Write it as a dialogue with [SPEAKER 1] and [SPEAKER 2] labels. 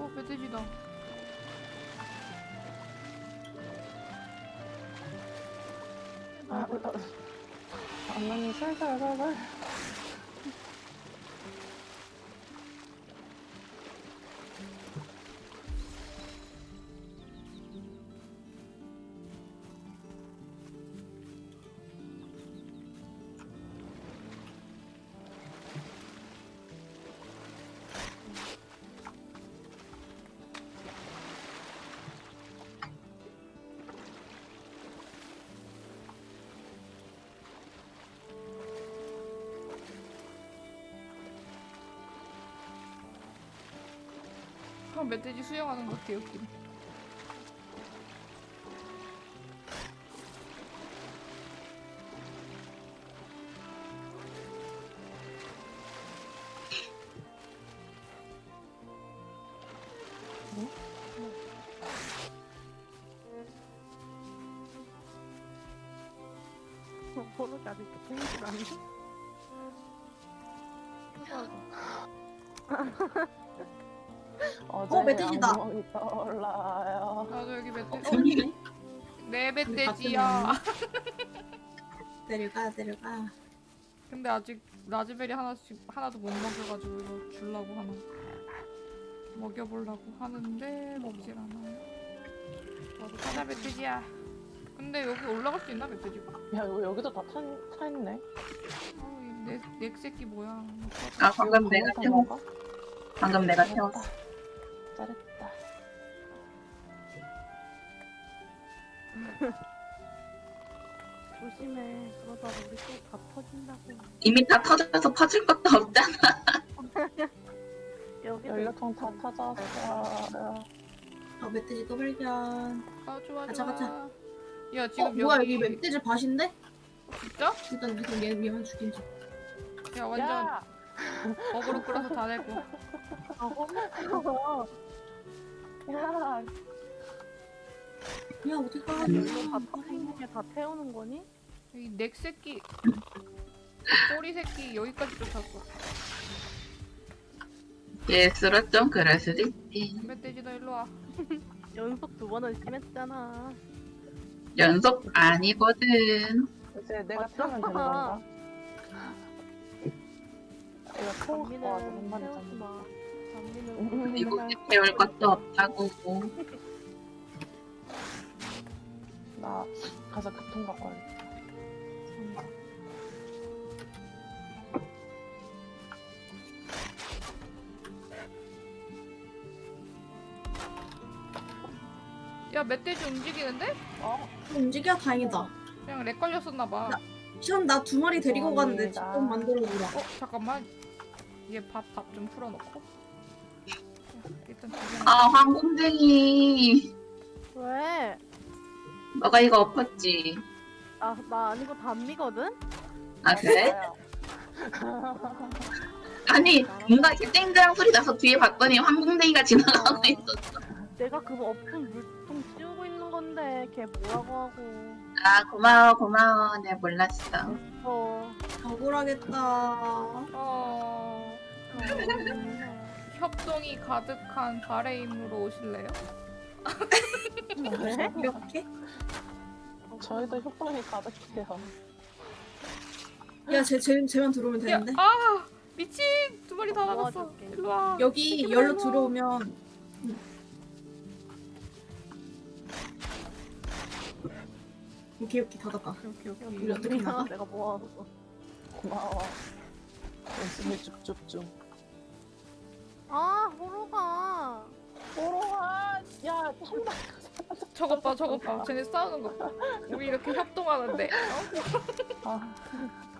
[SPEAKER 1] 멧돼지다.
[SPEAKER 2] 안나님 살살살살.
[SPEAKER 1] 그럼 멧돼지 수영하는 거 개웃기네.
[SPEAKER 3] 모르게 아직 생일 아니야?
[SPEAKER 2] 어제
[SPEAKER 4] 멧돼지다.
[SPEAKER 2] 악몽이 떠올라요.
[SPEAKER 1] 나도 여기 멧돼지.
[SPEAKER 4] 재밌네.
[SPEAKER 1] 내 멧돼지야.
[SPEAKER 4] 내려가 내려가.
[SPEAKER 1] 근데 아직 라즈베리 하나도 못 먹여가지고 이거 주려고 하나. 먹여보려고 하는데 먹질 않아요. 나도 가자 멧돼지야. 근데 여기 올라갈 수 있나 멧돼지가?
[SPEAKER 2] 야, 이거 여기도 다 차 있네.
[SPEAKER 1] 넥 새끼 뭐야?
[SPEAKER 5] 아 방금
[SPEAKER 2] 이거
[SPEAKER 5] 내가
[SPEAKER 2] 방금
[SPEAKER 5] 태웠어.
[SPEAKER 2] 탄 건가?
[SPEAKER 5] 방금 내가 태웠어.
[SPEAKER 2] 잘했다.
[SPEAKER 3] 조심해. 그러다 우리 또 다 터진다고.
[SPEAKER 5] 이미 다 터져서 퍼질 것도 없잖아.
[SPEAKER 3] 여기도
[SPEAKER 2] 연료통 다 터졌어.
[SPEAKER 4] 멧돼지 또 발견.
[SPEAKER 1] 아 좋아
[SPEAKER 4] 가자,
[SPEAKER 1] 좋아.
[SPEAKER 4] 가자.
[SPEAKER 1] 야 지금
[SPEAKER 4] 뭐야
[SPEAKER 1] 여기
[SPEAKER 4] 여기 멧돼지 밭인데?
[SPEAKER 1] 진짜?
[SPEAKER 4] 일단 얘 위험한 죽이자.
[SPEAKER 1] 야 완전
[SPEAKER 2] 야!
[SPEAKER 1] 어그로 끌어서 다 내고.
[SPEAKER 3] 아, 험했어.
[SPEAKER 2] 야!
[SPEAKER 4] 야 어디 가?
[SPEAKER 3] 이거 다 터지는 게 다 태우는 거니?
[SPEAKER 1] 이 넥 새끼 꼬리 새끼 여기까지 쫓았어.
[SPEAKER 5] 예스로 좀 그럴 수도 있지.
[SPEAKER 1] 멧돼지 너 일로 와.
[SPEAKER 3] 연속 2번은 심했잖아.
[SPEAKER 5] 연속 아니거든.
[SPEAKER 2] 이제 내가
[SPEAKER 3] 맞다.
[SPEAKER 2] 태우면 되는 건가? 이거 태우고
[SPEAKER 3] 단미는
[SPEAKER 2] 와서 한 마리
[SPEAKER 3] 태우지
[SPEAKER 2] 잡는
[SPEAKER 3] 마. 단미는
[SPEAKER 5] 미국에 태울 것도 없다고.
[SPEAKER 2] 나 가서 교통 갖고 와야겠다.
[SPEAKER 1] 야 멧돼지 움직이는데?
[SPEAKER 4] 움직여 다행이다.
[SPEAKER 1] 그냥 렉 걸렸었나 봐.
[SPEAKER 4] 시험 나 2마리 데리고 가는데 집
[SPEAKER 2] 감사합니다.
[SPEAKER 4] 좀 만들어 주라.
[SPEAKER 1] 잠깐만. 얘 밥 좀 풀어놓고. 야, 일단
[SPEAKER 5] 아 황공쟁이.
[SPEAKER 3] 왜?
[SPEAKER 5] 너가 이거 엎었지.
[SPEAKER 3] 나 아니고 단미거든?
[SPEAKER 5] 아 그래? 아니 뭔가 이렇게 땡그랑 소리 나서 뒤에 봤더니 황공쟁이가 지나가고 있었어.
[SPEAKER 3] 내가 그거 엎은 물통 씌우고 있는 건데 걔 뭐라고 하고.
[SPEAKER 5] 아 고마워. 내가 몰랐어.
[SPEAKER 4] 억울하겠다.
[SPEAKER 1] 협동이 가득한 발의 힘으로 오실래요?
[SPEAKER 4] 이렇게?
[SPEAKER 2] 저희도 협동이 가득해요.
[SPEAKER 4] 야 쟤만 들어오면
[SPEAKER 1] 야,
[SPEAKER 4] 되는데.
[SPEAKER 1] 아 미친 2마리 다 나갔어.
[SPEAKER 3] 도와줄게.
[SPEAKER 1] 일로 와.
[SPEAKER 4] 여기 열로 들어오면 오케이 닫았다.
[SPEAKER 1] 오케이.
[SPEAKER 4] 우리 어떻게 나가?
[SPEAKER 3] 내가 모아서.
[SPEAKER 2] 고마워. 열심히 쭉쭉 중.
[SPEAKER 3] 아, 호로가.
[SPEAKER 2] 오로하! 야, 한다.
[SPEAKER 1] 저것 봐. 쟤네 싸우는 거 봐. 우리 이렇게 협동하는데. 어?
[SPEAKER 2] 아,